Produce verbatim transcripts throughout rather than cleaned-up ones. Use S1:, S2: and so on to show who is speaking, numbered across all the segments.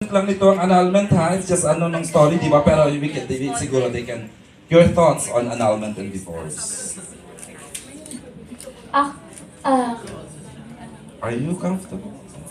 S1: lang nito ang annulment ha. It's just ano ng story, di ba? Pero we can, they, siguro they can... Your thoughts on annulment and divorce?
S2: Ah, ah,
S1: Are you comfortable?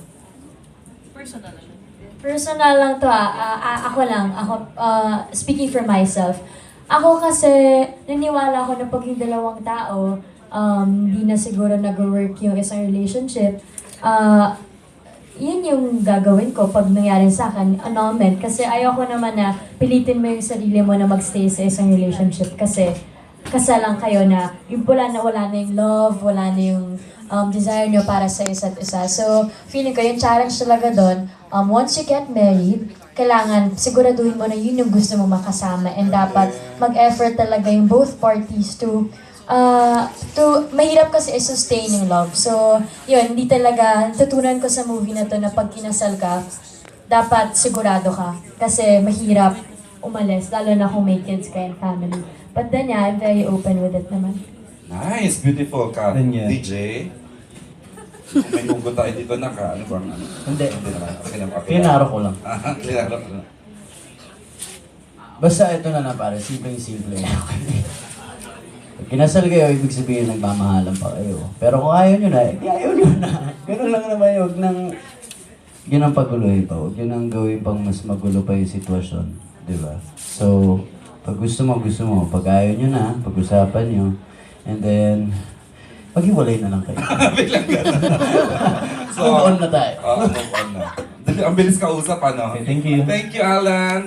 S2: personal lang to ah. Ah, ah, ako lang, ako, ah, speaking for myself. Ako kasi, naniwala ako na pag yung dalawang tao, um, hindi na siguro nag-work yung isang relationship, ah, yun yung gagawin ko pag nangyari sa akin, annulment. Kasi ayoko naman na pilitin mo yung sarili mo na magstay sa isang relationship kasi kasalang kayo na yung wala na wala na yung love, wala na yung um, desire nyo para sa isa't isa. So, feeling ko yung challenge talaga doon, um, once you get married, kailangan siguraduhin mo na yun yung gusto mo makasama and dapat mag-effort talaga yung both parties to Uh, to, mahirap kasi i-sustain yung love. So, yun, hindi talaga, tutunan ko sa movie na to na pag kinasal ka, dapat sigurado ka. Kasi mahirap umalis, lalo na kung may kids ka and family. But then, yeah, I'm very open with it naman.
S1: Nice, beautiful ka.
S3: Yun yan.
S1: D J? Kung may hugot tayo dito na ka, ano bang ano?
S3: Hindi.
S1: Hindi naman. Okay naman. Okay.
S3: Kinaro ko lang.
S1: Ah, kinaro ko lang.
S3: Basta ito na na pare, simpleng-simple. Pag kinasal kayo, ibig sabihin nagmamahalan pa kayo. Pero kung ayaw nyo na, eh, ayaw nyo na. Ganun lang naman yun. Huwag nang, yun ang paguluhin pa. Huwag yun ang gawin pang mas magulo pa yung sitwasyon. Di ba? So, pag gusto mo, gusto mo. Pag ayaw nyo na, pag-usapan nyo. And then, maghiwalay na lang kayo.
S1: Biglang gano'n. So,
S3: Move on na tayo.
S1: Oo, move on na. Ang bilis ka usap, ano?
S3: Okay, thank you.
S1: Thank you, Alan.